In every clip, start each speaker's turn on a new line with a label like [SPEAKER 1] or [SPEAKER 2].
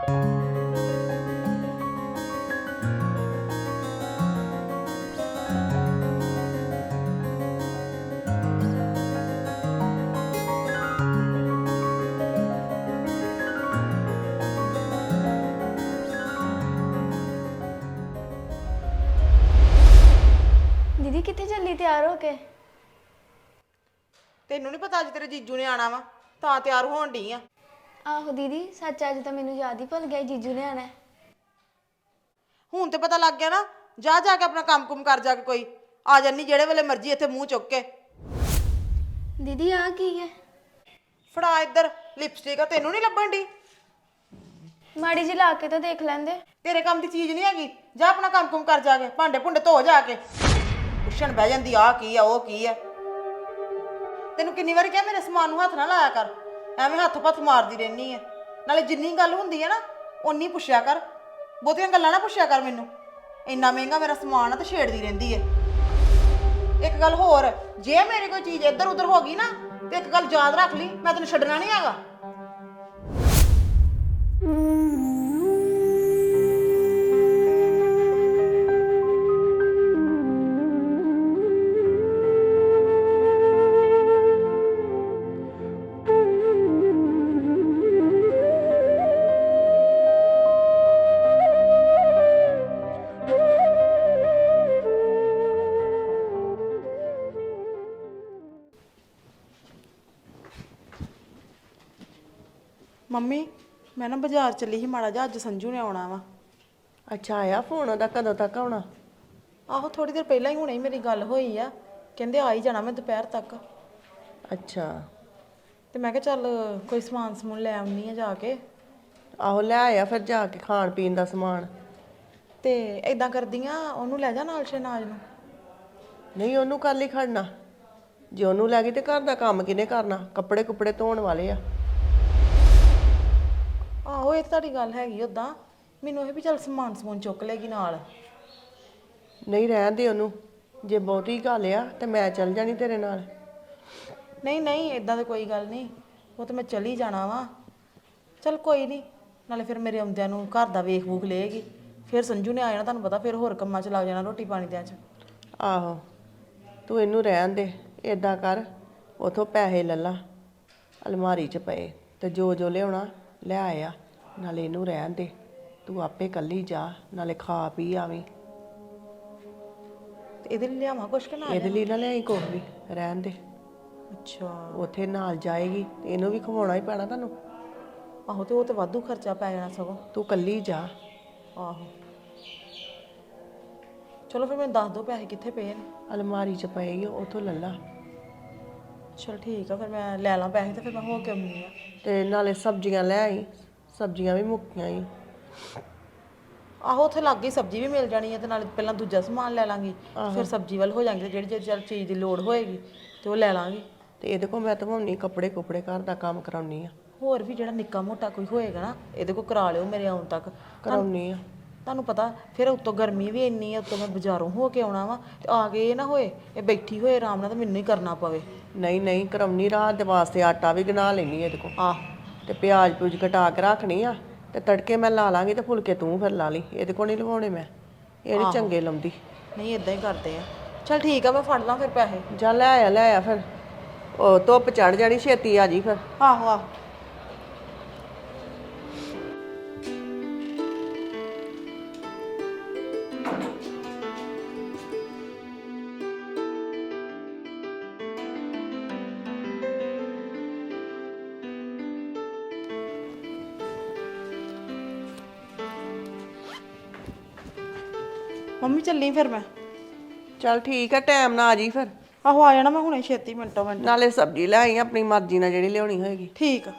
[SPEAKER 1] दीदी कितने जल्दी तैयार हो के?
[SPEAKER 2] ਤੈਨੂੰ ਨਹੀਂ ਪਤਾ ਅੱਜ ਤੇਰੇ ਜੀਜੂ ਨੇ ਆਣਾ ਵਾ ਤਾਂ ਤਿਆਰ ਹੋਣ ਢੀ ਆ।
[SPEAKER 1] आहो दीदी सच अज तो मैनू याद ही भुल गया जीजू ने आना है।
[SPEAKER 2] ਹੁਣ ਤੇ ਪਤਾ ਲੱਗ ਗਿਆ ਨਾ। ਜਾ ਜਾ ਕੇ ਆਪਣਾ ਕੰਮ ਕੁਮ ਕਰ ਜਾ ਕੇ ਕੋਈ ਆ ਜਾਨੀ ਜਿਹੜੇ ਵੇਲੇ ਮਰਜ਼ੀ ਇੱਥੇ ਮੂੰਹ ਚੁੱਕ ਕੇ।
[SPEAKER 1] दीदी आ की है?
[SPEAKER 2] ਫੜਾ ਇੱਧਰ ਲਿਪਸਟਿਕ ਆ ਤੈਨੂੰ ਨਹੀਂ ਲੱਭਣ ਢੀ।
[SPEAKER 1] माड़ी जी ला के तो देख लेंदे।
[SPEAKER 2] ਤੇਰੇ ਕੰਮ ਦੀ ਚੀਜ਼ ਨਹੀਂ ਹੈਗੀ। ਜਾ ਆਪਣਾ ਕੰਮ ਕੁਮ ਕਰ ਜਾ ਕੇ ਭਾਂਡੇ ਭੁੰਡੇ ਧੋ ਜਾ ਕੇ। ਪੁੱਛਣ ਬਹਿ ਜਾਂਦੀ ਆ ਕੀ ਆ ਉਹ ਕੀ ਆ। ਤੈਨੂੰ ਕਿੰਨੀ ਵਾਰੀ ਕਿਹਾ ਮੇਰੇ ਸਮਾਨ ਨੂੰ ਹੱਥ ਨਾ ਲਾਇਆ ਕਰ। ਐਵੇਂ ਹੱਥ ਪੱਥ ਮਾਰਦੀ ਰਹਿਨੀ ਆ। ਨਾਲੇ ਜਿੰਨੀ ਗੱਲ ਹੁੰਦੀ ਹੈ ਨਾ ਓਨੀ ਪੁੱਛਿਆ ਕਰ। ਬਹੁਤੀਆਂ ਗੱਲਾਂ ਨਾ ਪੁੱਛਿਆ ਕਰ ਮੈਨੂੰ। ਇੰਨਾ ਮਹਿੰਗਾ ਮੇਰਾ ਸਮਾਨ ਆ ਤੇ ਛੇੜਦੀ ਰਹਿੰਦੀ ਹੈ। ਇੱਕ ਗੱਲ ਹੋਰ ਜੇ ਮੇਰੀ ਕੋਈ ਚੀਜ਼ ਇੱਧਰ ਉੱਧਰ ਹੋ ਗਈ ਨਾ ਤੇ ਇੱਕ ਗੱਲ ਯਾਦ ਰੱਖ ਲਈ ਮੈਂ ਤੈਨੂੰ ਛੱਡਣਾ ਨਹੀਂ ਹੈਗਾ। ਮੰਮੀ ਮੈਂ ਨਾ ਬਾਜ਼ਾਰ ਚੱਲੀ ਸੀ ਮਾੜਾ ਜਿਹਾ ਅੱਜ ਸੰਜੂ ਨੇ ਆਉਣਾ ਵਾ।
[SPEAKER 3] ਅੱਛਾ ਆਇਆ ਫੋਨ ਉਹਦਾ ਕਦੋਂ ਤੱਕ ਆਉਣਾ?
[SPEAKER 2] ਆਹੋ ਥੋੜੀ ਦੇਰ ਪਹਿਲਾਂ ਹੀ ਹੁਣੇ ਹੀ ਮੇਰੀ ਗੱਲ ਹੋਈ ਆ। ਕਹਿੰਦੇ ਆ ਹੀ ਜਾਣਾ ਮੈਂ ਦੁਪਹਿਰ ਤੱਕ।
[SPEAKER 3] ਅੱਛਾ
[SPEAKER 2] ਤੇ ਮੈਂ ਕਿਹਾ ਚੱਲ ਕੋਈ ਸਮਾਨ ਸਮੂਨ ਲੈ ਆਉਣੀ ਆ ਜਾ ਕੇ।
[SPEAKER 3] ਆਹੋ ਲੈ ਆਇਆ ਫਿਰ ਜਾ ਕੇ ਖਾਣ ਪੀਣ ਦਾ ਸਮਾਨ।
[SPEAKER 2] ਤੇ ਇਦਾਂ ਕਰਦੀਆਂ ਉਹਨੂੰ ਲੈ ਜਾ ਨਾਲ ਸ਼ਹਿਨਾਜ਼ ਨੂੰ।
[SPEAKER 3] ਨਹੀਂ ਉਹਨੂੰ ਕੱਲ ਹੀ ਖੜਨਾ। ਜੇ ਉਹਨੂੰ ਲੈ ਗਈ ਤੇ ਘਰ ਦਾ ਕੰਮ ਕਿਹਨੇ ਕਰਨਾ? ਕੱਪੜੇ ਕੁੱਪੜੇ ਧੋਣ ਵਾਲੇ ਆ।
[SPEAKER 2] ਆਹੋ ਇਹ ਤਾਂ ਤੁਹਾਡੀ ਗੱਲ ਹੈਗੀ ਉਦਾਂ। ਮੈਨੂੰ ਇਹ ਵੀ ਚੱਲ ਸਮਾਨ ਸਮੂਨ ਚੁੱਕ ਲੇਗੀ ਨਾਲ।
[SPEAKER 3] ਨਹੀਂ ਰਹਿਣ ਦੇ ਉਹਨੂੰ। ਜੇ ਬਹੁਤੀ ਗੱਲ ਆ ਤੇ ਮੈਂ ਚੱਲ ਜਾਣੀ ਤੇਰੇ ਨਾਲ।
[SPEAKER 2] ਨਹੀਂ ਨਹੀਂ ਇਦਾਂ ਤਾਂ ਕੋਈ ਗੱਲ ਨਹੀਂ। ਉਹ ਤਾਂ ਮੈਂ ਚਲੀ ਜਾਣਾ ਵਾ। ਚੱਲ ਕੋਈ ਨਹੀਂ। ਨਾਲੇ ਫਿਰ ਮੇਰੇ ਆਉਂਦਿਆਂ ਨੂੰ ਘਰ ਦਾ ਵੇਖ ਵੂਖ ਲਏਗੀ। ਫਿਰ ਸੰਜੂ ਨੇ ਆ ਜਾਣਾ ਤੁਹਾਨੂੰ ਪਤਾ ਫਿਰ ਹੋਰ ਕੰਮਾਂ 'ਚ ਲੱਗ ਜਾਣਾ ਰੋਟੀ ਪਾਣੀ ਦਿਆਂ 'ਚ।
[SPEAKER 3] ਆਹੋ ਤੂੰ ਇਹਨੂੰ ਰਹਿਣ ਦੇ। ਏਦਾਂ ਕਰ ਉਥੋਂ ਪੈਸੇ ਲੈ ਲਾ ਅਲਮਾਰੀ 'ਚ ਪਏ ਤੇ ਜੋ ਜੋ ਲਿਆਉਣਾ ਲੈ ਆਇਆ। ਨਾਲੇ ਇਹਨੂੰ ਰਹਿਣ ਦੇ। ਤੂੰ ਆਪੇ ਇਕੱਲੀ ਜਾ ਨਾਲੇ ਖਾ ਪੀ ਆਵੀਂ।
[SPEAKER 2] ਤੇ ਇਹਦੇ ਲਈ ਲਿਆਵਾਂ ਕੁਛ ਕਿ ਨਾ?
[SPEAKER 3] ਇਹਦੇ ਲਈ ਨਾ ਲਿਆਈ ਕੁਛ ਵੀ ਰਹਿਣ ਦੇ।
[SPEAKER 2] ਅੱਛਾ
[SPEAKER 3] ਉੱਥੇ ਨਾਲ ਜਾਏਗੀ ਤੇ ਇਹਨੂੰ ਵੀ ਖਵਾਉਣਾ ਹੀ ਪੈਣਾ ਤੁਹਾਨੂੰ।
[SPEAKER 2] ਆਹੋ ਤੇ ਉਹ ਤੇ ਵਾਧੂ ਖਰਚਾ ਪੈ ਜਾਣਾ ਸਗੋਂ।
[SPEAKER 3] ਤੂੰ ਇਕੱਲੀ ਜਾ।
[SPEAKER 2] ਆਹੋ ਚਲੋ ਫਿਰ ਮੈਨੂੰ ਦੱਸ ਦਿਓ ਪੈਸੇ ਕਿੱਥੇ ਪਏ ਨੇ।
[SPEAKER 3] ਅਲਮਾਰੀ 'ਚ ਪਏਗੀ ਉੱਥੋਂ ਲੈ ਲਾ।
[SPEAKER 2] ਚਲ ਠੀਕ ਆ ਫਿਰ ਮੈਂ ਲੈ ਲਾਂ ਪੈਸੇ ਤੇ ਫਿਰ ਮੈਂ ਹੋ ਕੇ ਆਉਂਦੀ ਆ।
[SPEAKER 3] ਤੇ ਨਾਲੇ ਸਬਜ਼ੀਆਂ ਲੈ ਆਈ। ਸਬਜ਼ੀਆਂ ਵੀ ਮੁੱਕੀਆਂ ਹੀ।
[SPEAKER 2] ਆਹੋ ਉੱਥੇ ਲੱਗ ਗਈ ਸਬਜ਼ੀ ਵੀ ਮਿਲ ਜਾਣੀ ਹੈ ਤੇ ਨਾਲੇ ਪਹਿਲਾਂ ਦੂਜਾ ਸਮਾਨ ਲੈ ਲਾਂਗੀ। ਫਿਰ ਸਬਜ਼ੀ ਵੱਲ ਹੋ ਜਾਾਂਗੇ ਤੇ ਜਿਹੜੀ ਜਿਹੜੀ ਚੀਜ਼ ਦੀ ਲੋੜ ਹੋਏਗੀ ਤੇ ਉਹ ਲੈ ਲਾਂਗੀ।
[SPEAKER 3] ਤੇ ਇਹਦੇ ਕੋਲ ਮੈਂ ਧਵਾਉਣੀ ਕੱਪੜੇ ਕੁੱਪੜੇ ਘਰ ਦਾ ਕੰਮ ਕਰਾਉਣੀ ਆ।
[SPEAKER 2] ਹੋਰ ਵੀ ਜਿਹੜਾ ਨਿੱਕਾ ਮੋਟਾ ਕੋਈ ਹੋਏਗਾ ਨਾ ਇਹਦੇ ਕੋਲ ਕਰਾ ਲਿਓ ਮੇਰੇ ਆਉਣ ਤੱਕ।
[SPEAKER 3] ਕਰਾਉਣੀ ਆ।
[SPEAKER 2] ਤੁਹਾਨੂੰ ਪਤਾ ਫਿਰ ਉੱਤੋਂ ਗਰਮੀ ਵੀ ਇੰਨੀ ਆ ਉੱਤੋਂ ਮੈਂ ਬਾਜ਼ਾਰੋਂ ਹੋ ਕੇ ਆਉਣਾ ਵਾ ਤੇ ਆ ਕੇ ਇਹ ਨਾ ਹੋਏ ਇਹ ਬੈਠੀ ਹੋਏ ਆਰਾਮ ਨਾਲ ਤੇ ਮੈਨੂੰ ਹੀ ਕਰਨਾ ਪਵੇ।
[SPEAKER 3] ਨਹੀਂ ਨਹੀਂ ਕਰਾਉਣੀ। ਰਾਤ ਦੇ ਵਾਸਤੇ ਆਟਾ ਵੀ ਗਨਾ ਲੈਣੀ ਇਹਦੇ ਕੋਲ।
[SPEAKER 2] ਆਹ
[SPEAKER 3] ਤੇ ਪਿਆਜ਼ ਪੂਜ ਕਟਾ ਕੇ ਰੱਖਣੀ ਆ ਤੇ ਤੜਕੇ ਮੈਂ ਲਾ ਲਾਂਗੀ ਤੇ ਫੁਲਕੇ ਤੂੰ ਫਿਰ ਲਾ ਲਈ। ਇਹਦੇ ਕੋਲ ਨਹੀਂ ਲਵਾਉਣੇ ਮੈਂ। ਇਹ ਨਹੀਂ ਚੰਗੇ ਲਾਉਂਦੀ।
[SPEAKER 2] ਨਹੀਂ ਇਦਾਂ ਹੀ ਕਰਦੇ ਆ। ਚਲ ਠੀਕ ਆ ਮੈਂ ਫੜ ਲਾਂ ਫਿਰ ਪੈਸੇ।
[SPEAKER 3] ਜਾ ਲੈ ਆਇਆ ਫਿਰ। ਉਹ ਧੁੱਪ ਚੜ ਜਾਣੀ ਛੇਤੀ ਆ ਜੀ ਫਿਰ।
[SPEAKER 2] ਆਹੋ ਆਹੋ ਮੰਮੀ ਚੱਲੀ ਫਿਰ ਮੈਂ।
[SPEAKER 3] ਚੱਲ ਠੀਕ ਆ ਟਾਈਮ ਨਾਲ ਆ ਜੀ ਫਿਰ।
[SPEAKER 2] ਆਹੋ ਆ ਜਾਣਾ ਮੈਂ ਹੁਣੇ ਛੇਤੀ ਮਿੰਟੋ ਮਿੰਟ।
[SPEAKER 3] ਨਾਲੇ ਸਬਜ਼ੀ ਲੈ ਆਈ ਆਪਣੀ ਮਰਜ਼ੀ ਨਾਲ ਜਿਹੜੀ ਲਿਆਉਣੀ ਹੋਏਗੀ।
[SPEAKER 2] ਠੀਕ ਆ।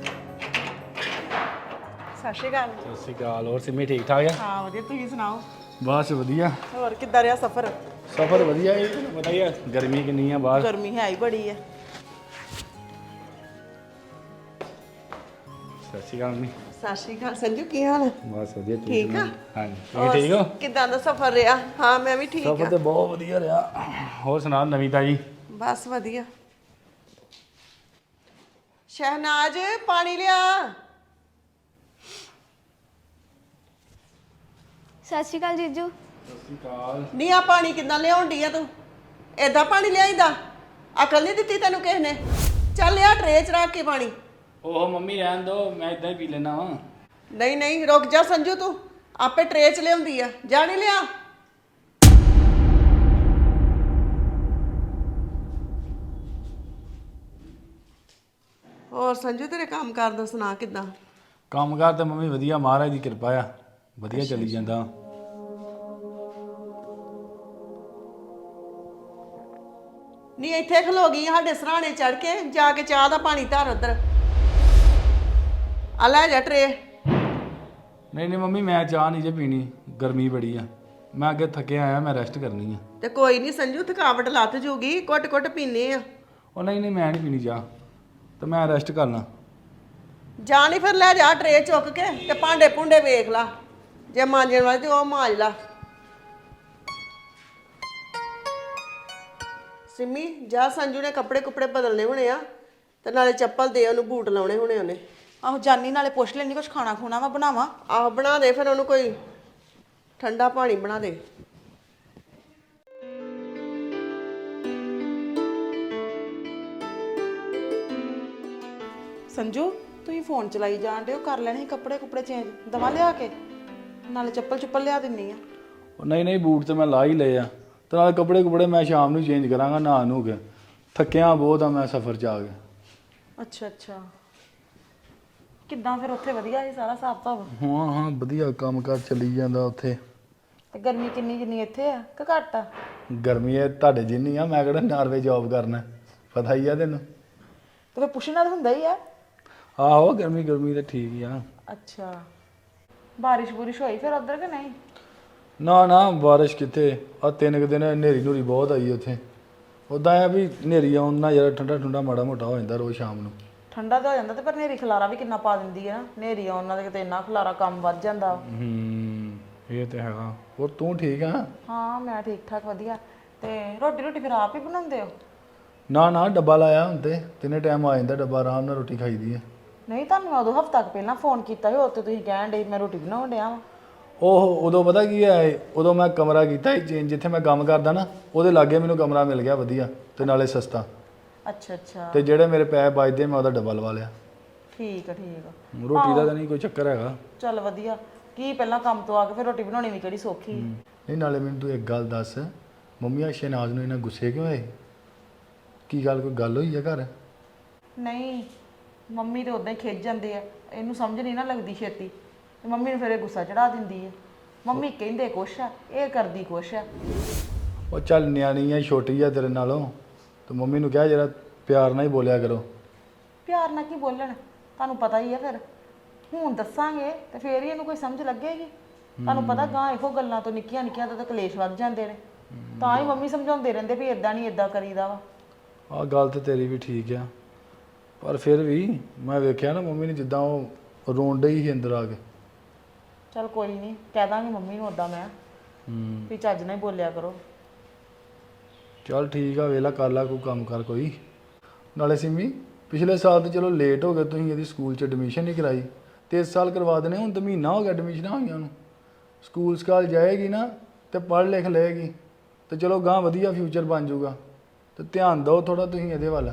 [SPEAKER 2] ਸਤਿ ਸ਼੍ਰੀ ਅਕਾਲ।
[SPEAKER 4] ਸਤਿ ਸ਼੍ਰੀ ਅਕਾਲ। ਹੋਰ ਸਿੰਮੀ ਠੀਕ ਠਾਕ ਆ?
[SPEAKER 2] ਹਾਂ ਵਧੀਆ ਤੁਸੀਂ ਸੁਣਾਓ।
[SPEAKER 4] ਬਸ ਵਧੀਆ
[SPEAKER 2] ਹੋਰ ਕਿੱਦਾਂ ਰਿਹਾ ਸਫ਼ਰ
[SPEAKER 4] ਸਫ਼ਰ ਵਧੀਆ ਇਹ ਤੁਹਾਨੂੰ ਪਤਾ ਹੀ ਆ ਗਰਮੀ ਕਿੰਨੀ ਆ ਬਾਹਰ
[SPEAKER 2] ਗਰਮੀ ਹੈ ਹੀ ਬੜੀ ਹੈ
[SPEAKER 4] ਸਤਿ ਸ਼੍ਰੀ ਅਕਾਲ ਮੰਮੀ
[SPEAKER 3] ਸਤਿ ਸ਼੍ਰੀ ਅਕਾਲ ਸੰਜੂ ਕੀ ਹਾਲ ਹੈ
[SPEAKER 4] ਬਸ ਵਧੀਆ
[SPEAKER 3] ਠੀਕ ਆ?
[SPEAKER 4] ਹਾਂਜੀ ਤੁਸੀਂ ਠੀਕ ਹੋ
[SPEAKER 3] ਕਿੱਦਾਂ ਦਾ ਸਫ਼ਰ ਰਿਹਾ ਹਾਂ ਮੈਂ ਵੀ ਠੀਕ
[SPEAKER 4] ਸਫ਼ਰ
[SPEAKER 3] ਆ
[SPEAKER 4] ਤੇ ਬਹੁਤ ਵਧੀਆ ਰਿਹਾ ਹੋਰ ਸੁਣਾ ਨਵੀਂ ਤਾਜੀ
[SPEAKER 3] ਬਸ ਵਧੀਆ ਸ਼ਹਿਨਾਜ਼ ਪਾਣੀ ਲਿਆ
[SPEAKER 1] ਸਤਿ ਸ਼੍ਰੀ ਅਕਾਲ ਜੀਜੂ
[SPEAKER 4] ਸਤਿ ਸ਼੍ਰੀ ਅਕਾਲ
[SPEAKER 3] ਨਹੀਂ ਆ ਪਾਣੀ ਕਿੱਦਾਂ ਲਿਆਉਣ ਡਈ ਆ ਤੂੰ ਏਦਾਂ ਪਾਣੀ ਲਿਆਈਦਾ ਅਕਲ ਨਹੀਂ ਦਿੱਤੀ ਤੈਨੂੰ ਕਿਸ ਨੇ ਚੱਲ ਆ ਟਰੇ 'ਚ ਰੱਖ ਕੇ ਪਾਣੀ
[SPEAKER 4] ਉਹ ਮੰਮੀ ਰਹਿਣ ਦੋ ਮੈਂ ਇਦਾਂ ਹੀ ਪੀ ਲੈਣਾ ਵਾ
[SPEAKER 3] ਨਹੀਂ ਨਹੀਂ ਰੁਕ ਜਾ ਸੰਜੂ ਤੂੰ ਆਪੇ ਟਰੇ 'ਚ ਲਿਆਉਂਦੀ ਆ ਜਾ ਨਹੀਂ ਲਿਆ ਹੋਰ ਸੰਜੂ ਤੇਰੇ ਕੰਮ ਕਾਰ ਦਾ ਸੁਣਾ ਕਿੱਦਾਂ
[SPEAKER 4] ਕੰਮਕਾਰ ਤੇ ਮੰਮੀ ਵਧੀਆ ਮਹਾਰਾਜ ਦੀ ਕਿਰਪਾ ਆ ਵਧੀਆ ਚੱਲੀ ਜਾਂਦਾ
[SPEAKER 3] ਨਹੀਂ ਇੱਥੇ ਖਲੋ ਗਈ ਆ ਸਾਡੇ ਸਰਾਣੇ ਚੜ ਕੇ ਜਾ ਕੇ ਚਾਹ ਦਾ ਪਾਣੀ ਧਰ ਉਧਰ ਆ ਲੈ ਜਾ ਟਰੇ
[SPEAKER 4] ਨਹੀਂ ਨਹੀਂ ਮੰਮੀ ਮੈਂ ਚਾਹ ਨਹੀਂ ਜੇ ਪੀਣੀ ਗਰਮੀ ਬੜੀ ਆ ਮੈਂ ਅੱਗੇ ਥੱਕਿਆ ਆਇਆ ਮੈਂ ਰੈਸਟ ਕਰਨੀ ਆ
[SPEAKER 3] ਤੇ ਕੋਈ ਨਹੀਂ ਸੰਜੂ ਥਕਾਵਟ ਲੱਥ ਜੂਗੀ ਘੁੱਟ ਘੁੱਟ ਪੀਨੇ ਆ
[SPEAKER 4] ਉਹ ਨਹੀਂ ਨਹੀਂ ਮੈਂ ਨਹੀਂ ਪੀਣੀ ਚਾਹ ਤੇ ਮੈਂ ਰੈਸਟ ਕਰਨਾ
[SPEAKER 3] ਜਾ ਨਹੀਂ ਫਿਰ ਲੈ ਜਾ ਟਰੇ ਚੁੱਕ ਕੇ ਤੇ ਭਾਂਡੇ ਭੁੰਡੇ ਵੇਖ ਲਾ ਜੇ ਮਾਂਜਣ ਵਾਲੇ ਤੇ ਉਹ ਮਾਂਜ ਲਾ ਸਿੰਮੀ ਜਾ ਸੰਜੂ ਨੇ ਕੱਪੜੇ ਕੁਪੜੇ ਬਦਲਨੇ ਹੋਣੇ ਆ ਤੇ ਨਾਲੇ ਚੱਪਲ ਦੇ ਉਹਨੂੰ ਬੂਟ ਲਾਉਣੇ ਹੋਣੇ ਉਹਨੇ
[SPEAKER 2] ਆਹੋ ਜਾਨੀ ਨਾਲੇ ਪੁੱਛ ਲੈਣੀ ਕੁਝ ਖਾਣਾ ਖੂਣਾ ਵਾ ਬਣਾਵਾਂ
[SPEAKER 3] ਆਹ ਬਣਾ ਦੇ ਫਿਰ ਉਹਨੂੰ ਕੋਈ ਠੰਡਾ ਪਾਣੀ ਬਣਾ ਦੇ
[SPEAKER 2] ਸੰਜੂ ਤੁਸੀਂ ਫੋਨ ਚਲਾਈ ਜਾਣ ਡਏ ਹੋ ਕਰ ਲੈਣੇ ਸੀ ਕੱਪੜੇ ਕੁਪੜੇ ਚੇਂਜ ਦਵਾ ਲਿਆ ਕੇ ਨਾਲੇ ਚੱਪਲ ਚੁੱਪਲ ਲਿਆ ਦਿੰਨੀ ਆ
[SPEAKER 4] ਉਹ ਨਹੀਂ ਨਹੀਂ ਬੂਟ ਤੇ ਮੈਂ ਲਾ ਹੀ ਲਏ ਆ ਤੇ ਨਾਲ ਕੱਪੜੇ ਮੈਂ ਸ਼ਾਮ ਨੂੰ ਚੇਂਜ ਕਰਾਂਗਾ ਨਹਾ ਨੂੰ ਕੇ ਥੱਕਿਆ ਬਹੁਤ ਆ ਮੈਂ ਸਫ਼ਰ 'ਚ ਆ ਕੇ
[SPEAKER 2] ਅੱਛਾ ਅੱਛਾ ਕਿੱਦਾਂ ਫਿਰ ਉੱਥੇ ਵਧੀਆ ਸੀ ਸਾਰਾ ਹਿਸਾਬ ਤਾਬ
[SPEAKER 4] ਹਾਂ ਹਾਂ ਵਧੀਆ ਕੰਮ ਕਾਰ ਚੱਲੀ ਜਾਂਦਾ ਉੱਥੇ
[SPEAKER 2] ਤੇ ਗਰਮੀ ਕਿੰਨੀ ਜਿੰਨੀ ਇੱਥੇ ਆ ਕਿ ਘੱਟ ਆ
[SPEAKER 4] ਗਰਮੀ ਹੈ ਤੁਹਾਡੇ ਜਿੰਨੀ ਆ ਮੈਂ ਕਿਹੜਾ ਨਾਰਵੇ ਜੌਬ ਕਰਨਾ ਪਤਾ ਹੀ ਆ ਤੈਨੂੰ
[SPEAKER 2] ਤੇ ਫਿਰ ਪੁੱਛਣਾ ਤਾਂ ਹੁੰਦਾ ਹੀ ਆ
[SPEAKER 4] ਆਹੋ ਗਰਮੀ ਤਾਂ ਠੀਕ ਹੀ ਆ
[SPEAKER 2] ਅੱਛਾ ਬਾਰਿਸ਼ ਬੁਰਿਸ਼ ਹੋਈ ਫਿਰ ਉੱਧਰ ਕਿ ਨਹੀਂ
[SPEAKER 4] ਨਾ ਨਾ ਬਾਰਿਸ਼ ਕਿੱਥੇ ਆ 3 ਦਿਨ ਹਨੇਰੀ ਨੂਰੀ ਬਹੁਤ ਆਈ ਉੱਥੇ ਉਦਾਂ ਆ ਵੀ ਹਨੇਰੀ ਆਉਣ ਨਾਲ ਜਰਾ ਠੰਡਾ ਠੰਡਾ ਮਾੜਾ ਮੋਟਾ ਹੋ ਜਾਂਦਾ ਰੋਜ਼ ਸ਼ਾਮ ਨੂੰ
[SPEAKER 2] ਠੰਡਾ ਤਾਂ ਹੋ ਜਾਂਦਾ ਤੇ ਪਰ ਨੇਰੀ ਖਲਾਰਾ ਵੀ ਕਿੰਨਾ ਪਾ ਦਿੰਦੀ ਆ ਨਾ ਨੇਰੀ ਆਉਣ ਨਾਲ ਕਿਤੇ ਇੰਨਾ ਖਲਾਰਾ ਕੰਮ ਵੱਧ ਜਾਂਦਾ
[SPEAKER 4] ਇਹ ਤੇ ਹੈਗਾ ਹੋਰ ਤੂੰ ਠੀਕ ਆ
[SPEAKER 2] ਹਾਂ ਮੈਂ ਠੀਕ ਠਾਕ ਵਧੀਆ ਤੇ ਰੋਟੀ ਫਿਰ ਆਪ ਹੀ ਬਣਾਉਂਦੇ ਹੋ
[SPEAKER 4] ਨਾ ਡੱਬਾ ਲਾਇਆ ਹੁਣ ਤੇ ਤਿੰਨੇ ਟਾਈਮ ਆ ਜਾਂਦਾ ਡੱਬਾ ਆਰਾਮ ਨਾਲ ਰੋਟੀ ਖਾਈਦੀ ਹੈ
[SPEAKER 2] ਨਹੀਂ ਤੁਹਾਨੂੰ ਮੈਂ ਉਦੋਂ ਹਫ਼ਤਾ ਕੁ ਪਹਿਲਾਂ ਫੋਨ ਕੀਤਾ ਸੀ ਉਹ ਤੇ ਤੁਸੀਂ ਕਹਿਣ ਡੇ ਮੈਂ ਰੋਟੀ ਬਣਾਉਣ ਡਿਆ ਵਾਂ
[SPEAKER 4] ਉਹ ਉਦੋਂ ਪਤਾ ਕੀ ਹੈ ਉਦੋਂ ਮੈਂ ਕਮਰਾ ਕੀਤਾ ਸੀ ਚੇਂਜ ਜਿੱਥੇ ਮੈਂ ਕੰਮ ਕਰਦਾ ਨਾ ਉਹਦੇ ਲਾਗੇ ਮੈਨੂੰ ਕਮਰਾ ਮਿਲ ਗਿਆ ਵਧੀਆ ਤੇ ਨਾਲੇ ਸਸਤਾ
[SPEAKER 2] ਅੱਛਾ ਅੱਛਾ
[SPEAKER 4] ਤੇ ਜਿਹੜੇ ਮੇਰੇ ਪੈਸੇ ਬਚਦੇ ਮੈਂ ਉਹਦਾ ਡੱਬਾ ਲਵਾ ਲਿਆ
[SPEAKER 2] ਠੀਕ ਆ
[SPEAKER 4] ਰੋਟੀ ਦਾ ਤਾਂ ਨਹੀਂ ਕੋਈ ਚੱਕਰ ਹੈਗਾ
[SPEAKER 2] ਚੱਲ ਵਧੀਆ ਕੀ ਪਹਿਲਾਂ ਕੰਮ ਤੋਂ ਆ ਕੇ ਫਿਰ ਰੋਟੀ ਬਣਾਉਣੀ ਵੀ ਕਿਹੜੀ ਸੌਖੀ ਹੈ
[SPEAKER 4] ਨਹੀਂ ਨਾਲੇ ਮੈਨੂੰ ਤੂੰ ਇੱਕ ਗੱਲ ਦੱਸ ਮੰਮੀ ਸ਼ਹਿਨਾਜ਼ ਨੂੰ ਇਹਨਾਂ ਗੁੱਸੇ ਕਿਉਂ ਹੋਏ ਕੀ ਗੱਲ ਕੋਈ ਗੱਲ ਹੋਈ ਆ ਘਰ
[SPEAKER 2] ਨਹੀਂ ਮੰਮੀ ਤੇ ਉਦਾਂ ਹੀ ਖਿੱਚ ਜਾਂਦੇ ਆ ਇਹਨੂੰ ਸਮਝ ਨਹੀਂ ਨਾ ਲੱਗਦੀ ਛੇਤੀ ਤੇ ਮੰਮੀ ਨੂੰ ਫਿਰ ਇਹ ਗੁੱਸਾ ਚੜਾ ਦਿੰਦੀ ਹੈ ਮੰਮੀ ਕਹਿੰਦੇ ਕੁਛ ਆ ਇਹ ਕਰਦੀ ਕੁਛ ਆ
[SPEAKER 4] ਉਹ ਚੱਲ ਨਿਆਣੀ ਆ ਛੋਟੀ ਆ ਤੇਰੇ ਨਾਲੋਂ ਤੇ ਮੰਮੀ ਨੂੰ ਕਿਹਾ ਜਰਾ ਪਿਆਰ ਨਾਲ ਹੀ ਬੋਲਿਆ ਕਰੋ
[SPEAKER 2] ਪਿਆਰ ਨਾਲ ਕੀ ਬੋਲਣ ਤੁਹਾਨੂੰ ਪਤਾ ਹੀ ਆ ਫਿਰ ਹੁਣ ਦੱਸਾਂਗੇ ਤੇ ਫੇਰ ਹੀ ਇਹਨੂੰ ਕੋਈ ਸਮਝ ਲੱਗੇਗੀ ਤੁਹਾਨੂੰ ਪਤਾ ਗਾਂ ਇਹੋ ਗੱਲਾਂ ਤੋਂ ਨਿੱਕੀਆਂ ਨਿੱਕੀਆਂ ਤੋਂ ਤਾਂ ਕਲੇਸ਼ ਵੱਧ ਜਾਂਦੇ ਨੇ ਤਾਂ ਹੀ ਮੰਮੀ ਸਮਝਾਉਂਦੇ ਰਹਿੰਦੇ ਵੀ ਇਦਾਂ ਨਹੀਂ ਇਦਾਂ ਕਰੀਦਾ ਵਾ
[SPEAKER 4] ਆਹ ਗੱਲ ਤੇ ਤੇਰੀ ਵੀ ਠੀਕ ਆ ਪਰ ਫਿਰ ਵੀ ਮੈਂ ਵੇਖਿਆ ਨਾ ਮੰਮੀ ਨੇ ਜਿੱਦਾਂ ਉਹ ਰੋਣ ਡਈ ਸੀ ਅੰਦਰ ਆ ਕੇ
[SPEAKER 2] ਚਲ ਕੋਈ ਨਹੀਂ ਕਹਿ ਦਾਂਗੀ ਮੰਮੀ ਨੂੰ ਉਦਾਂ ਮੈਂ ਵੀ ਚੱਜ ਨਾਲ ਹੀ ਬੋਲਿਆ ਕਰੋ
[SPEAKER 4] ਚੱਲ ਠੀਕ ਆ ਵੇਲਾ ਕਰ ਲਾ ਕੋਈ ਕੰਮ ਕਰ ਕੋਈ ਨਾਲੇ ਸਿੰਮੀ ਪਿਛਲੇ ਸਾਲ ਤੇ ਚਲੋ ਲੇਟ ਹੋ ਗਏ ਤੁਸੀਂ ਇਹਦੀ ਸਕੂਲ 'ਚ ਐਡਮਿਸ਼ਨ ਨਹੀਂ ਕਰਾਈ ਤੇ ਇਸ ਸਾਲ ਕਰਵਾ ਦੇਣੇ ਹੁਣ ਤਾਂ ਮਹੀਨਾ ਹੋ ਗਿਆ ਐਡਮਿਸ਼ਨਾਂ ਹੋਈਆਂ ਉਹਨੂੰ ਸਕੂਲ ਸਕਾਲ ਜਾਏਗੀ ਨਾ ਤੇ ਪੜ੍ਹ ਲਿਖ ਲਏਗੀ ਤੇ ਚਲੋ ਗਾਂ ਵਧੀਆ ਫਿਊਚਰ ਬਣ ਜਾਊਗਾ ਤੇ ਧਿਆਨ ਦਿਓ ਥੋੜਾ ਤੁਸੀਂ ਇਹਦੇ ਵੱਲ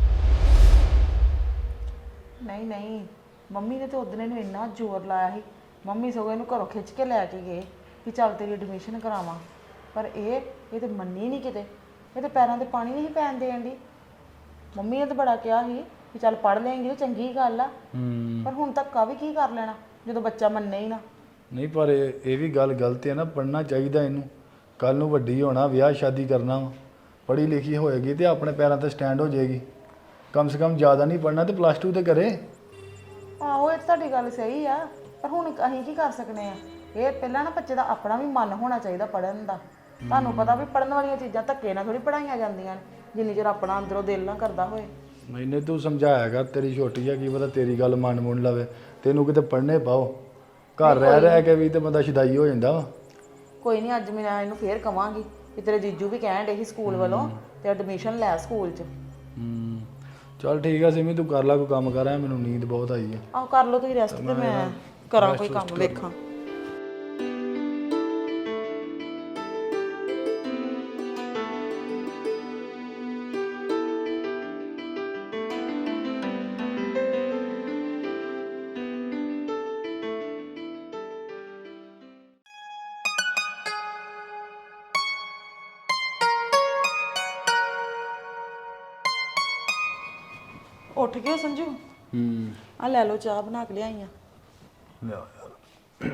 [SPEAKER 2] ਨਹੀਂ ਮੰਮੀ ਨੇ ਤੇ ਉਦਣ ਇਹਨੂੰ ਇੰਨਾ ਜ਼ੋਰ ਲਾਇਆ ਸੀ ਮੰਮੀ ਸਗੋਂ ਇਹਨੂੰ ਘਰੋਂ ਖਿੱਚ ਕੇ ਲੈ ਕੇ ਗਏ ਕਿ ਚੱਲ ਤੇਰੀ ਐਡਮਿਸ਼ਨ ਕਰਾਵਾਂ ਪਰ ਇਹ ਤੇ ਮੰਨੀ ਨਹੀਂ ਕਿਤੇ ਇਹ ਤੇ ਪੈਰਾਂ ਤੇ ਪਾਣੀ ਨਹੀਂ ਪੈਣ ਦੇਣ ਦੀ ਮੰਮੀ ਨੇ ਤਾਂ ਬੜਾ ਕਿਹਾ ਸੀ ਕਿ ਚੱਲ ਪੜ੍ਹ ਲਏਂਗੀ ਤੇ ਚੰਗੀ ਗੱਲ ਆ ਪਰ ਹੁਣ ਤੱਕ ਵੀ ਕੀ ਕਰ ਲੈਣਾ ਜਦੋਂ ਬੱਚਾ ਮੰਨੇ ਹੀ ਨਾ
[SPEAKER 4] ਨਹੀਂ ਪਰ ਇਹ ਵੀ ਗੱਲ ਗਲਤ ਹੈ ਨਾ ਪੜ੍ਹਨਾ ਚਾਹੀਦਾ ਇਹਨੂੰ ਕੱਲ ਨੂੰ ਵੱਡੀ ਹੋਣਾ ਵਿਆਹ ਸ਼ਾਦੀ ਕਰਨਾ ਪੜ੍ਹੀ ਲਿਖੀ ਹੋਏਗੀ ਤੇ ਆਪਣੇ ਪੈਰਾਂ ਤੇ ਸਟੈਂਡ ਹੋ ਜਾਏਗੀ ਕਮ ਸੇ ਕਮ ਜ਼ਿਆਦਾ ਨਹੀਂ ਪੜ੍ਹਨਾ ਤੇ +2 ਤੇ ਕਰੇ
[SPEAKER 2] ਆਹੋ ਇਹ ਤੁਹਾਡੀ ਗੱਲ ਸਹੀ ਆ ਪਰ ਹੁਣ ਅਸੀਂ ਕੀ ਕਰ ਸਕਨੇ ਆ ਇਹ ਪਹਿਲਾਂ ਨਾ ਬੱਚੇ ਦਾ ਆਪਣਾ ਵੀ ਮਨ ਹੋਣਾ ਚਾਹੀਦਾ ਪੜਨ ਦਾ। ਤੁਹਾਨੂੰ ਪਤਾ ਵੀ ਪੜਨ ਵਾਲੀਆਂ ਚੀਜ਼ਾਂ ਧੱਕੇ ਨਾਲ ਥੋੜੀ ਪੜਾਈਆਂ ਜਾਂਦੀਆਂ ਨੇ, ਜਿੰਨੀ ਚਿਰ ਆਪਣਾ ਅੰਦਰੋਂ ਦਿਲ ਨਾ ਕਰਦਾ ਹੋਏ।
[SPEAKER 4] ਮੈਨੇ ਤੂੰ ਸਮਝਾਇਆ ਕਰ, ਤੇਰੀ ਛੋਟੀ ਆ, ਕੀ ਪਤਾ ਤੇਰੀ ਗੱਲ ਮਨ ਮੁੰਨ ਲਵੇ। ਤੈਨੂੰ ਕਿਤੇ ਪੜ੍ਹਨੇ ਪਾਓ, ਘਰ ਰਹਿ ਕੇ ਵੀ ਤੇ ਬੰਦਾ ਸ਼ਦਾਈ ਹੋ ਜਾਂਦਾ ਵਾ।
[SPEAKER 2] ਕੋਈ ਨਹੀਂ, ਅੱਜ ਮੈਂ ਇਹਨੂੰ ਫੇਰ ਕਵਾਂਗੀ ਕਿ ਤੇਰੇ ਜੀਜੂ ਵੀ ਕਹਿਣ ਡੇ ਸੀ ਸਕੂਲ ਵੱਲੋਂ ਤੇ ਐਡਮਿਸ਼ਨ ਲੈ ਸਕੂਲ 'ਚ।
[SPEAKER 4] ਚੱਲ ਠੀਕ ਆ ਸਿਮੀ, ਤੂੰ ਕਰ ਲੈ ਕੋਈ ਕੰਮ ਕਰ, ਮੈਨੂੰ ਨੀਂਦ ਬਹੁਤ ਆਈ ਹੈ।
[SPEAKER 2] ਆਹ ਕਰ ਲਓ ਤੁਸੀਂ ਰੈਸਟ ਤੇ ਮੈਂ ਕਰਾਂ ਕੋਈ ਕੰਮ ਵੇਖਾਂ। ਉੱਠ ਗਏ ਸੰਜੂ? ਆ ਲੈ ਲਓ, ਚਾਹ ਬਣਾ ਕੇ ਲਿਆਈ ਆ।
[SPEAKER 4] ਲਿਆ ਯਾਰ,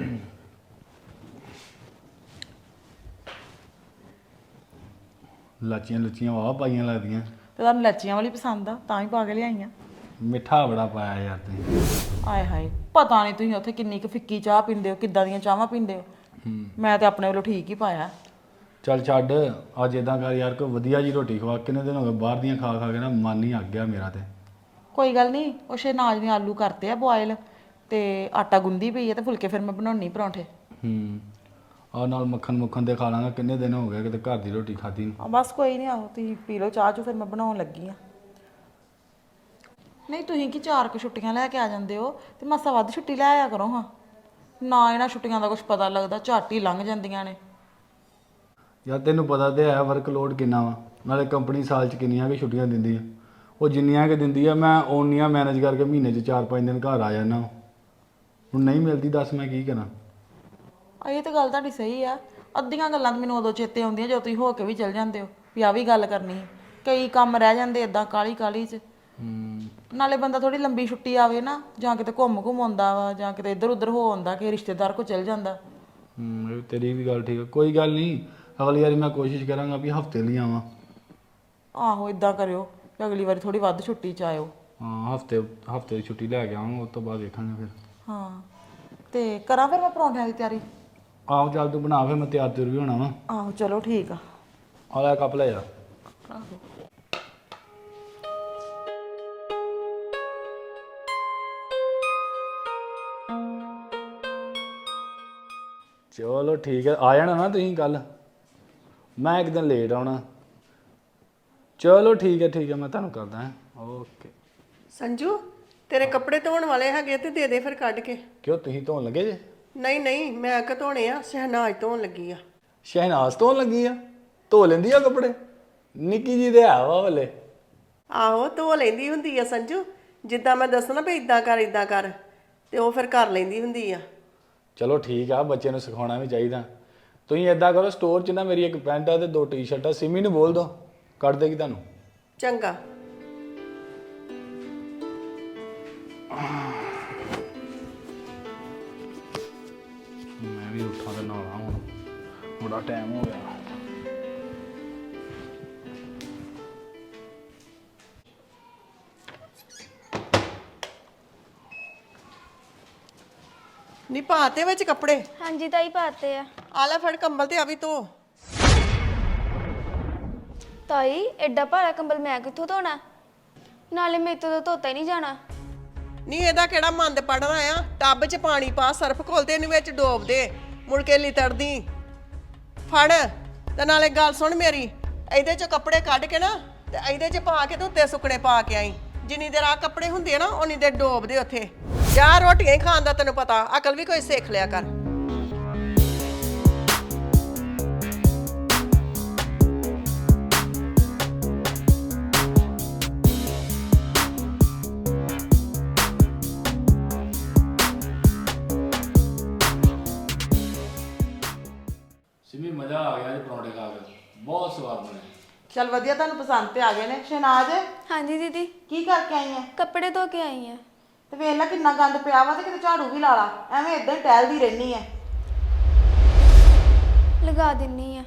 [SPEAKER 4] ਲਾਚੀਆਂ ਲੁੱਚੀਆਂ ਵਾਹ ਪਾਈਆਂ ਲੱਗਦੀਆਂ।
[SPEAKER 2] ਤੇ ਤੁਹਾਨੂੰ ਲੱਚੀਆਂ ਵਾਲੀ ਪਸੰਦ ਆ ਤਾਂ ਹੀ ਪਾ ਕੇ ਲਿਆਈਆਂ।
[SPEAKER 4] ਮਿੱਠਾ ਬੜਾ ਪਾਇਆ ਯਾਰ ਤੁਸੀਂ।
[SPEAKER 2] ਆਏ ਹਾਏ, ਪਤਾ ਨਹੀਂ ਤੁਸੀਂ ਉੱਥੇ ਕਿੰਨੀ ਕੁ ਫਿੱਕੀ ਚਾਹ ਪੀਂਦੇ ਹੋ, ਕਿੱਦਾਂ ਦੀਆਂ ਚਾਹਾਂ ਪੀਂਦੇ ਹੋ। ਮੈਂ ਤੇ ਆਪਣੇ ਵੱਲੋਂ ਠੀਕ ਹੀ ਪਾਇਆ।
[SPEAKER 4] ਚੱਲ ਛੱਡ, ਅੱਜ ਇਦਾਂ ਕਰ ਯਾਰ, ਕੋਈ ਵਧੀਆ ਜੀ ਰੋਟੀ ਖਵਾ। ਕਿੰਨੇ ਦਿਨ ਹੋ ਗਏ ਬਾਹਰ ਦੀਆਂ ਖਾ ਖਾ ਕੇ ਨਾ ਮਨ ਹੀ ਅੱਕ ਗਿਆ ਮੇਰਾ ਤੇ।
[SPEAKER 2] ਕੋਈ ਗੱਲ ਨਹੀਂ, ਉਹ ਸ਼ਹਿਨਾਜ਼ ਨੇ ਆਲੂ ਕਰਤੇ ਆ ਬੋਇਲ ਤੇ ਆਟਾ ਗੁੰਦੀ ਪਈ ਹੈ ਤੇ ਫੁਲਕੇ ਫਿਰ ਮੈਂ ਬਣਾਉਣੀ ਪਰੌਂਠੇ।
[SPEAKER 4] ਆ ਨਾਲ ਮੱਖਣ ਦੇ ਖਾ ਲਾਂਗਾ, ਕਿੰਨੇ ਦਿਨ ਹੋ ਗਏ ਕਿਤੇ ਘਰ ਦੀ ਰੋਟੀ ਖਾਧੀ ਨਹੀਂ।
[SPEAKER 2] ਬਸ ਕੋਈ ਨਹੀਂ, ਆਹੋ ਤੁਸੀਂ ਪੀ ਲਓ ਚਾਹ ਚੋ, ਫਿਰ ਮੈਂ ਬਣਾਉਣ ਲੱਗੀ ਆ। ਨਹੀਂ ਤੁਸੀਂ ਕੀ 4 ਕੁ ਛੁੱਟੀਆਂ ਲੈ ਕੇ ਆ ਜਾਂਦੇ ਹੋ ਤੇ ਮਾਸਾ ਵੱਧ ਛੁੱਟੀ ਲੈ ਆਇਆ ਕਰੋ ਹਾਂ। ਨਾ ਇਹਨਾਂ ਛੁੱਟੀਆਂ ਦਾ ਕੁਝ ਪਤਾ ਲੱਗਦਾ, ਝੱਟ ਹੀ ਲੰਘ ਜਾਂਦੀਆਂ ਨੇ।
[SPEAKER 4] ਯਾਰ ਤੈਨੂੰ ਪਤਾ ਤੇ ਹੈ ਵਰਕਲੋਡ ਕਿੰਨਾ ਵਾ, ਨਾਲੇ ਕੰਪਨੀ ਸਾਲ 'ਚ ਕਿੰਨੀਆਂ ਕਿ ਛੁੱਟੀਆਂ ਦਿੰਦੀ ਆ। ਉਹ ਜਿੰਨੀਆਂ ਕਿ ਦਿੰਦੀ ਆ ਮੈਂ ਓਨੀਆਂ ਮੈਨੇਜ ਕਰਕੇ ਮਹੀਨੇ 'ਚ 4-5 ਦਿਨ ਘਰ ਆ ਜਾਂਦਾ। ਹੁਣ ਨਹੀਂ ਮਿਲਦੀ, ਦੱਸ ਮੈਂ ਕੀ ਕਰਾਂ।
[SPEAKER 2] ਇਹ ਤਾਂ ਗੱਲ ਤੁਹਾਡੀ ਸਹੀ ਆ। ਅੱਧੀਆਂ ਗੱਲਾਂ ਤਾਂ ਮੈਨੂੰ ਉਦੋਂ ਚੇਤੇ ਆਉਂਦੀਆਂ ਜਦੋਂ ਤੁਸੀਂ ਹੋ ਕੇ ਵੀ ਚਲ ਜਾਂਦੇ ਹੋ ਵੀ ਆ ਵੀ ਗੱਲ ਕਰਨੀ ਸੀ। ਕਈ ਕੰਮ ਰਹਿ ਜਾਂਦੇ ਇਦਾਂ ਕਾਹਲੀ 'ਚ। ਨਾਲੇ ਬੰਦਾ ਥੋੜੀ ਲੰਬੀ ਛੁੱਟੀ ਆਵੇ ਨਾ, ਜਾਂ ਕਿਤੇ ਘੁੰਮ ਆਉਂਦਾ ਵਾ, ਜਾਂ ਕਿਤੇ ਇੱਧਰ ਉੱਧਰ ਹੋ ਆਉਂਦਾ, ਕਿ ਰਿਸ਼ਤੇਦਾਰ ਕੋ ਚਲ ਜਾਂਦਾ।
[SPEAKER 4] ਤੇਰੀ ਵੀ ਗੱਲ ਠੀਕ ਆ, ਕੋਈ ਗੱਲ ਨਹੀਂ। ਅਗਲੀ ਵਾਰੀ ਮੈਂ ਕੋਸ਼ਿਸ਼ ਕਰਾਂਗਾ ਵੀ ਹਫਤੇ ਲਈ ਆਵਾਂ।
[SPEAKER 2] ਆਹੋ ਇਦਾਂ ਕਰਿਓ ਕਿ ਅਗਲੀ ਵਾਰੀ ਥੋੜੀ ਵੱਧ ਛੁੱਟੀ 'ਚ ਆਇਓ।
[SPEAKER 4] ਹਾਂ, ਹਫਤੇ ਦੀ ਛੁੱਟੀ ਲੈ ਕੇ ਆਵਾਂਗਾ, ਉਸ ਤੋਂ ਬਾਅਦ ਵੇਖਾਂਗੇ ਫਿਰ।
[SPEAKER 2] ਹਾਂ, ਤੇ ਕਰਾਂ ਫਿਰ ਮੈਂ ਪਰੌਂਠਿਆਂ ਦੀ ਤਿਆਰੀ?
[SPEAKER 4] ਆਹੋ ਚੱਲ ਤੂੰ ਬਣਾ, ਫਿਰ ਮੈਂ ਤਿਆਰ ਤੁਰ ਵੀ ਹੋਣਾ ਵਾ।
[SPEAKER 2] ਆਹੋ ਚਲੋ ਠੀਕ ਆ।
[SPEAKER 4] ਆ ਲੈ ਕੱਪ ਲੈ ਜਾ।
[SPEAKER 2] ਆਹੋ
[SPEAKER 4] ਚਲੋ ਠੀਕ ਹੈ, ਆ ਜਾਣਾ ਨਾ ਤੁਸੀਂ ਕੱਲ, ਮੈਂ ਇੱਕ ਦਿਨ ਲੇਟ ਆਉਣਾ। ਚਲੋ ਠੀਕ ਹੈ, ਮੈਂ ਤੁਹਾਨੂੰ ਕਰਦਾ ਹਾਂ। ਓਕੇ।
[SPEAKER 3] ਸੰਜੂ, ਤੇਰੇ ਕੱਪੜੇ ਧੋਣ ਵਾਲੇ ਹੈਗੇ ਤੇ ਦੇ ਦੇ ਫਿਰ ਕੱਢ ਕੇ।
[SPEAKER 4] ਕਿਉਂ ਤੁਸੀਂ ਧੋਣ ਲੱਗੇ ਜੇ?
[SPEAKER 3] ਨਹੀਂ ਮੈਂ ਕਿ ਧੋਣੇ ਆ, ਸ਼ਹਿਨਾਜ਼ ਧੋਣ ਲੱਗੀ ਆ।
[SPEAKER 4] ਸ਼ਹਿਨਾਜ਼ ਧੋਣ ਲੱਗੀ ਆ? ਧੋ ਲੈਂਦੀ ਆ ਕੱਪੜੇ? ਨਿੱਕੀ ਜੀ ਦੇ ਆ ਵਾ ਵਾਲੇ।
[SPEAKER 3] ਆਹੋ ਧੋ ਲੈਂਦੀ ਹੁੰਦੀ ਆ ਸੰਜੂ, ਜਿੱਦਾਂ ਮੈਂ ਦੱਸਣਾ ਵੀ ਇਦਾਂ ਕਰ ਤੇ ਉਹ ਫਿਰ ਕਰ ਲੈਂਦੀ ਹੁੰਦੀ ਆ।
[SPEAKER 4] ਚਲੋ ਠੀਕ ਆ, ਬੱਚੇ ਨੂੰ ਸਿਖਾਉਣਾ ਵੀ ਚਾਹੀਦਾ। ਤੁਸੀਂ ਏਦਾਂ ਕਰੋ, ਸਟੋਰ 'ਚ ਨਾ ਮੇਰੀ ਇੱਕ ਪੈਂਟ ਆ ਤੇ 2 ਟੀ-ਸ਼ਰਟਾਂ, ਸਿਮੀ ਨੂੰ ਬੋਲ ਦਿਓ ਕੱਢ ਦੇਗੀ ਤੁਹਾਨੂੰ।
[SPEAKER 3] ਚੰਗਾ।
[SPEAKER 4] ਮੈਂ ਵੀ ਉੱਠਾਂ ਤੇ ਨਹਾਉਣਾ ਹੁਣ, ਬੜਾ ਟਾਈਮ ਹੋ ਗਿਆ।
[SPEAKER 3] ਨੀ ਪਾਤੇ ਵਿੱਚ ਕੱਪੜੇ?
[SPEAKER 1] ਹਾਂਜੀ ਤਾਈ ਪਾਤੇ ਆ।
[SPEAKER 3] ਆ ਲੈ ਫੜ ਕੰਬਲ ਤੇ ਆ ਵੀ ਧੋ।
[SPEAKER 1] ਤਾਈ ਐਡਾ ਭਾਰਾ ਕੰਬਲ ਮੈਂ ਕਿੱਥੋਂ ਧੋਣਾ? ਨਾਲੇ ਮੇਰੇ ਤੋਂ ਤਾਂ ਧੋਤਾ ਹੀ ਨਹੀਂ ਜਾਣਾ।
[SPEAKER 3] ਨੀ ਇਹਦਾ ਕਿਹੜਾ ਮੰਦ ਪੜਨਾ ਆ? ਟੱਬ 'ਚ ਪਾਣੀ ਪਾ, ਸਰਫ ਘੋਲ ਤੇ ਇਹਨੂੰ ਵਿੱਚ ਡੋਬ ਦੇ, ਮੁੜ ਕੇ ਲਿਤੜਦੀ। ਫੜ ਤੇ ਨਾਲੇ ਗੱਲ ਸੁਣ ਮੇਰੀ, ਇਹਦੇ 'ਚ ਕੱਪੜੇ ਕੱਢ ਕੇ ਨਾ ਤੇ ਇਹਦੇ 'ਚ ਪਾ ਕੇ ਤੇ ਉੱਤੇ ਸੁੱਕਣੇ ਪਾ ਕੇ ਆਈ। ਜਿੰਨੀ ਦੇਰ ਆ ਕੱਪੜੇ ਹੁੰਦੇ ਆ ਨਾ ਉਨੀ ਦੇਰ ਡੋਬ ਦੇ ਉੱਥੇ। ਜਾ ਰੋਟੀਆਂ ਹੀ ਖਾਣ ਦਾ ਤੈਨੂੰ ਪਤਾ, ਅਕਲ ਵੀ ਕੋਈ ਸਿੱਖ ਲਿਆ ਕਰ।
[SPEAKER 4] ਸਿਮੀ ਮਜ਼ਾ ਆ ਗਿਆ ਜੀ ਪਰੌਂਠੇ ਖਾ ਕੇ, ਬਹੁਤ ਸਵਾਦ ਬਣੇ।
[SPEAKER 2] ਚਲ ਵਧੀਆ, ਤੁਹਾਨੂੰ ਪਸੰਦ ਤੇ ਆ ਗਏ ਨੇ। ਸ਼ਹਿਨਾਜ਼
[SPEAKER 1] ਹਾਂਜੀ ਦੀਦੀ,
[SPEAKER 2] ਕੀ ਕਰਕੇ ਆਈ ਐ?
[SPEAKER 1] ਕੱਪੜੇ ਧੋ ਕੇ ਆਈ ਆ।
[SPEAKER 2] ਤੇ ਵੇਖ ਲੈ ਕਿੰਨਾ ਗੰਦ ਪਿਆ ਵਾ, ਤੇ ਕਿਤੇ ਝਾੜੂ ਵੀ ਲਾ ਲਾ, ਐਵੇਂ ਇਦਾਂ ਹੀ ਟਹਿਲਦੀ ਰਹਿਨੀ ਐ।
[SPEAKER 1] ਲਗਾ ਦਿੰਨੀ ਆ।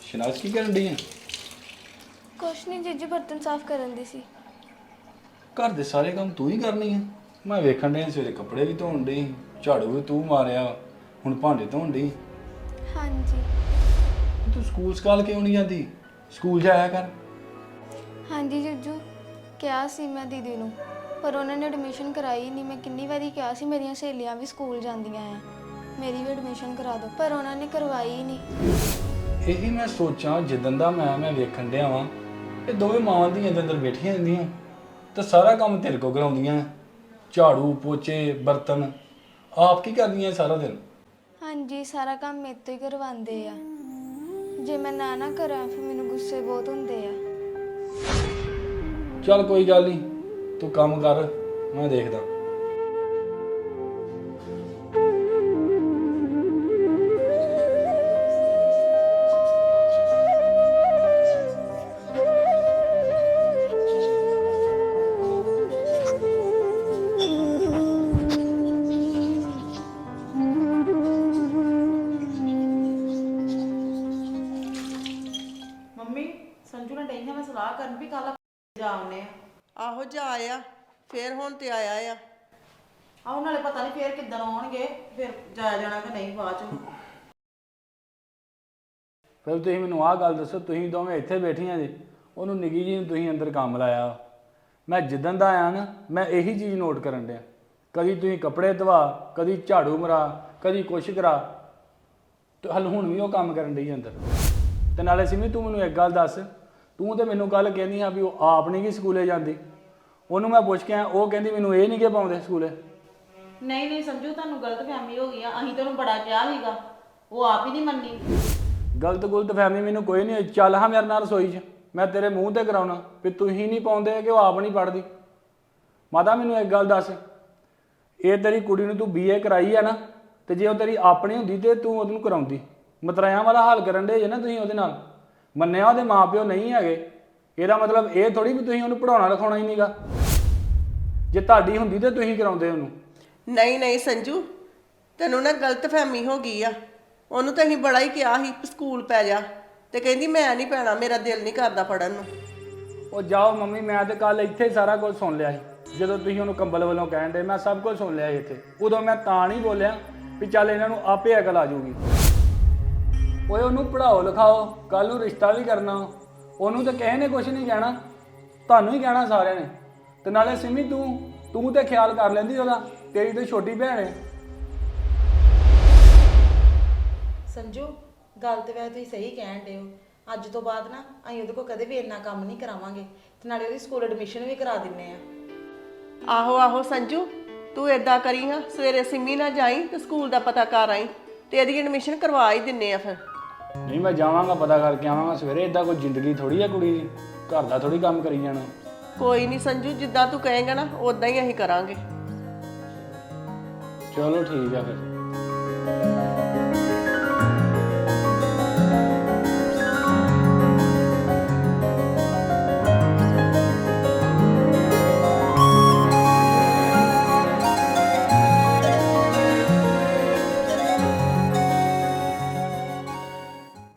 [SPEAKER 4] ਸ਼ਨਾਜ਼ ਕੀ ਕਰਨ ਡਈ ਆ?
[SPEAKER 1] ਕੁਛ ਨਹੀਂ ਜੀਜੂ, ਬਰਤਨ ਸਾਫ਼ ਕਰਨ ਦੀ ਸੀ।
[SPEAKER 4] ਘਰ ਦੇ ਸਾਰੇ ਕੰਮ ਤੂੰ ਹੀ ਕਰਨੀ ਆ? ਮੈਂ ਵੇਖਣ ਡਿਆ ਸਵੇਰੇ ਕੱਪੜੇ ਵੀ ਧੋਣ ਡਈ, ਝਾੜੂ ਵੀ ਤੂੰ ਮਾਰਿਆ, ਹੁਣ ਭਾਂਡੇ ਧੋਣ ਡਈ।
[SPEAKER 1] ਹਾਂਜੀ
[SPEAKER 4] ਤੂੰ ਸਕੂਲ ਸਕਾਲ ਕਿਉਂ ਨਹੀਂ ਜਾਂਦੀ? ਸਕੂਲ ਜਾਇਆ ਕਰ।
[SPEAKER 1] ਹਾਂਜੀ ਜੀਜੂ, ਕਿਹਾ ਸੀ ਮੈਂ ਦੀਦੀ ਨੂੰ, ਪਰ ਉਹਨਾਂ ਨੇ ਐਡਮਿਸ਼ਨ ਕਰਾਈ ਨਹੀਂ। ਮੈਂ ਕਿੰਨੀ ਵਾਰੀ ਕਿਹਾ ਸੀ, ਮੇਰੀਆਂ ਸਹੇਲੀਆਂ ਵੀ ਸਕੂਲ ਜਾਂਦੀਆਂ ਆ, ਮੇਰੀ ਵੀ ਐਡਮਿਸ਼ਨ ਕਰਾ ਦਿਓ, ਪਰ ਉਹਨਾਂ ਨੇ ਕਰਵਾਈ ਹੀ ਨਹੀਂ।
[SPEAKER 4] ਇਹੀ ਮੈਂ ਸੋਚਾਂ, ਜਿੱਦਣ ਦਾ ਮੈਂ ਵੇਖਣ ਡਿਆ ਵਾਂ, ਇਹ ਦੋਵੇਂ ਮਾਵਾਂ ਦੀਆਂ ਅੰਦਰ ਬੈਠੀਆਂ ਹੁੰਦੀਆਂ ਤੇ ਸਾਰਾ ਕੰਮ ਤੇਰੇ ਕੋਲ ਕਰਾਉਂਦੀਆਂ, ਝਾੜੂ ਪੋਚੇ ਬਰਤਨ ਆਪ ਕੀ ਕਰਦੀਆਂ ਸਾਰਾ ਦਿਨ?
[SPEAKER 1] ਹਾਂਜੀ, ਸਾਰਾ ਕੰਮ ਮੇਰੇ ਤੋਂ ਹੀ ਕਰਵਾਉਂਦੇ ਆ। ਜੇ ਮੈਂ ਨਾ ਕਰਾਂ ਫਿਰ ਮੈਨੂੰ ਗੁੱਸੇ ਬਹੁਤ ਹੁੰਦੇ ਆ।
[SPEAKER 4] ਚੱਲ ਕੋਈ ਗੱਲ ਨਹੀਂ, ਤੂੰ ਕੰਮ ਕਰ, ਮੈਂ ਦੇਖਦਾ।
[SPEAKER 2] ਮੰਮੀ ਸੰਜੂ ਨੇ ਡਈ ਮੈਂ ਸਲਾਹ ਕਰਨ ਵੀ ਕੱਲ ਜਾ ਆਉਨੇ ਆ।
[SPEAKER 3] ਆਹੋ ਜਾ ਆਇਆ, ਫੇਰ ਹੁਣ ਤੇ ਆਇਆ ਆ।
[SPEAKER 2] ਆਉਣ ਨਾਲੇ ਪਤਾ ਨਹੀਂ ਫੇਰ ਕਿੱਦਣ ਆਉਣਗੇ, ਫਿਰ ਜਾਇਆ ਜਾਣਾ ਕਿ ਨਹੀਂ ਬਾਅਦ ਚ।
[SPEAKER 4] ਫਿਰ ਤੁਸੀਂ ਮੈਨੂੰ ਆਹ ਗੱਲ ਦੱਸੋ, ਤੁਸੀਂ ਦੋਵੇਂ ਇੱਥੇ ਬੈਠੀਆਂ ਜੀ, ਉਹਨੂੰ ਨਿੱਕੀ ਜੀ ਨੂੰ ਤੁਸੀਂ ਅੰਦਰ ਕੰਮ ਲਾਇਆ। ਮੈਂ ਜਿੱਦਣ ਦਾ ਆਇਆ ਨਾ, ਮੈਂ ਇਹੀ ਚੀਜ਼ ਨੋਟ ਕਰਨ ਡਿਆ, ਕਦੀ ਤੁਸੀਂ ਕੱਪੜੇ ਧਵਾ, ਕਦੀ ਝਾੜੂ ਮਰਾ, ਕਦੀ ਕੁਛ ਕਰਾ, ਤੇ ਹਲ ਹੁਣ ਵੀ ਉਹ ਕੰਮ ਕਰਨ ਡਈ ਅੰਦਰ। ਤੇ ਨਾਲੇ ਸਿਮੀ ਤੂੰ ਮੈਨੂੰ ਇੱਕ ਗੱਲ ਦੱਸ, ਤੂੰ ਤੇ ਮੈਨੂੰ ਕੱਲ ਕਹਿੰਦੀ ਆ ਵੀ ਉਹ ਆਪ ਨਹੀਂ ਗਈ ਸਕੂਲੇ ਜਾਂਦੀ, ਉਹਨੂੰ ਮੈਂ ਪੁੱਛ ਕੇ ਆਇਆ, ਉਹ ਕਹਿੰਦੀ ਮੈਨੂੰ ਇਹ ਨਹੀਂ ਕਿ ਪਾਉਂਦੇ ਸਕੂਲੇ।
[SPEAKER 2] ਨਹੀਂ ਸੰਜੂ, ਤੁਹਾਨੂੰ ਗਲਤਫਹਿਮੀ ਹੋ ਗਈ ਆ, ਅਸੀਂ ਤੈਨੂੰ ਬੜਾ ਕਿਹਾ ਸੀਗਾ, ਉਹ ਆਪ ਹੀ ਨਹੀਂ ਮੰਨੀ।
[SPEAKER 4] ਗਲਤ ਫਹਿਮੀ ਮੈਨੂੰ ਕੋਈ ਨਹੀਂ, ਚੱਲ ਹਾਂ ਮੇਰੇ ਨਾਲ ਰਸੋਈ 'ਚ, ਮੈਂ ਤੇਰੇ ਮੂੰਹ ਤੇ ਕਰਾਉਣਾ ਵੀ ਤੁਸੀਂ ਨਹੀਂ ਪਾਉਂਦੇ ਕਿ ਉਹ ਆਪ ਨਹੀਂ ਪੜ੍ਹਦੀ। ਮਾਤਾ ਮੈਨੂੰ ਇੱਕ ਗੱਲ ਦੱਸ, ਇਹ ਤੇਰੀ ਕੁੜੀ ਨੂੰ ਤੂੰ BA ਕਰਾਈ ਆ ਨਾ, ਤੇ ਜੇ ਉਹ ਤੇਰੀ ਆਪਣੀ ਹੁੰਦੀ ਤੇ ਤੂੰ ਉਹਨੂੰ ਕਰਾਉਂਦੀ। ਮਤਰਾਇਆਂ ਵਾਲਾ ਹਾਲ ਕਰਨ ਦੇ ਜੇ ਨਾ ਤੁਸੀਂ ਉਹਦੇ ਨਾਲ। ਮੰਨਿਆ ਉਹਦੇ ਮਾਪਿਓ ਨਹੀਂ ਹੈਗੇ, ਇਹਦਾ ਮਤਲਬ ਇਹ ਥੋੜੀ ਵੀ ਤੁਸੀਂ ਉਹਨੂੰ ਪੜਾਉਣਾ ਲਿਖਾਉਣਾ ਹੀ ਨਹੀਂਗਾ। ਜੇ ਤੁਹਾਡੀ ਹੁੰਦੀ ਤੇ ਤੁਸੀਂ ਕਰਾਉਂਦੇ ਉਹਨੂੰ।
[SPEAKER 3] ਨਹੀਂ ਸੰਜੂ, ਤੈਨੂੰ ਨਾ ਗਲਤਫਹਿਮੀ ਹੋ ਗਈ ਆ। ਉਹਨੂੰ ਤਾਂ ਅਸੀਂ ਬੜਾ ਹੀ ਕਿਹਾ ਸੀ ਸਕੂਲ ਪੈ ਜਾ, ਤੇ ਕਹਿੰਦੀ ਮੈਂ ਨਹੀਂ ਪੈਣਾ, ਮੇਰਾ ਦਿਲ ਨਹੀਂ ਕਰਦਾ ਪੜਨ ਨੂੰ।
[SPEAKER 4] ਉਹ ਜਾਓ ਮੰਮੀ, ਮੈਂ ਤੇ ਕੱਲ ਇੱਥੇ ਹੀ ਸਾਰਾ ਕੁਝ ਸੁਣ ਲਿਆ ਸੀ। ਜਦੋਂ ਤੁਸੀਂ ਉਹਨੂੰ ਕੰਬਲ ਵੱਲੋਂ ਕਹਿਣ ਦੇ, ਮੈਂ ਸਭ ਕੁਝ ਸੁਣ ਲਿਆ ਸੀ ਇੱਥੇ। ਉਦੋਂ ਮੈਂ ਤਾਂ ਨਹੀਂ ਬੋਲਿਆ ਵੀ ਚੱਲ ਇਹਨਾਂ ਨੂੰ ਆਪੇ ਅਕਲ ਆ ਜਾਊਗੀ। ਓਏ ਉਹਨੂੰ ਪੜਾਓ ਲਿਖਾਓ, ਕੱਲ ਨੂੰ ਰਿਸ਼ਤਾ ਵੀ ਕਰਨਾ, ਉਹਨੂੰ ਤਾਂ ਕਿਸੇ ਨੇ ਕੁਝ ਨਹੀਂ ਕਹਿਣਾ, ਤੁਹਾਨੂੰ ਹੀ ਕਹਿਣਾ ਸਾਰਿਆਂ ਨੇ। ਤੇ ਨਾਲੇ ਸਿਮੀ ਤੂੰ ਤੇ ਖਿਆਲ ਕਰ ਲੈਂਦੀ ਉਹਦਾ, ਤੇਰੀ ਤੇ ਛੋਟੀ ਭੈਣ ਹੈ।
[SPEAKER 2] ਸੰਜੂ ਗੱਲ ਤੇ ਵੈਸੇ ਤੁਸੀਂ ਸਹੀ ਕਹਿਣ ਡਏ ਹੋ, ਅੱਜ ਤੋਂ ਬਾਅਦ ਨਾ ਅਸੀਂ ਉਹਦੇ ਕੋਲ ਕਦੇ ਵੀ ਇੰਨਾ ਕੰਮ ਨਹੀਂ ਕਰਾਵਾਂਗੇ, ਤੇ ਨਾਲੇ ਉਹਦੀ ਸਕੂਲ ਐਡਮਿਸ਼ਨ ਵੀ ਕਰਾ ਦਿੰਨੇ ਆ।
[SPEAKER 3] ਆਹੋ ਸੰਜੂ, ਤੂੰ ਏਦਾਂ ਕਰੀ ਹਾਂ, ਸਵੇਰੇ ਸਿੰਮੀ ਨਾਲ ਜਾਈ ਤੇ ਸਕੂਲ ਦਾ ਪਤਾ ਕਰ ਆਈ, ਤੇ ਇਹਦੀ ਐਡਮਿਸ਼ਨ ਕਰਵਾ ਹੀ ਦਿੰਨੇ ਆ ਫਿਰ।
[SPEAKER 4] ਨਹੀਂ ਮੈਂ ਜਾਵਾਂਗਾ, ਪਤਾ ਕਰਕੇ ਆਵਾਂਗਾ ਸਵੇਰੇ। ਇਦਾਂ ਕੋਈ ਜ਼ਿੰਦਗੀ ਥੋੜੀ ਆ ਕੁੜੀ ਦੀ, ਘਰ ਦਾ ਥੋੜੀ ਕੰਮ ਕਰੀ ਜਾਣਾ।
[SPEAKER 3] ਕੋਈ ਨਹੀਂ ਸੰਜੂ, ਜਿੱਦਾਂ ਤੂੰ ਕਹੇਂਗਾ ਨਾ ਉਦਾਂ ਹੀ ਅਸੀਂ ਕਰਾਂਗੇ।
[SPEAKER 4] ਚਲੋ ਠੀਕ ਆ ਫਿਰ।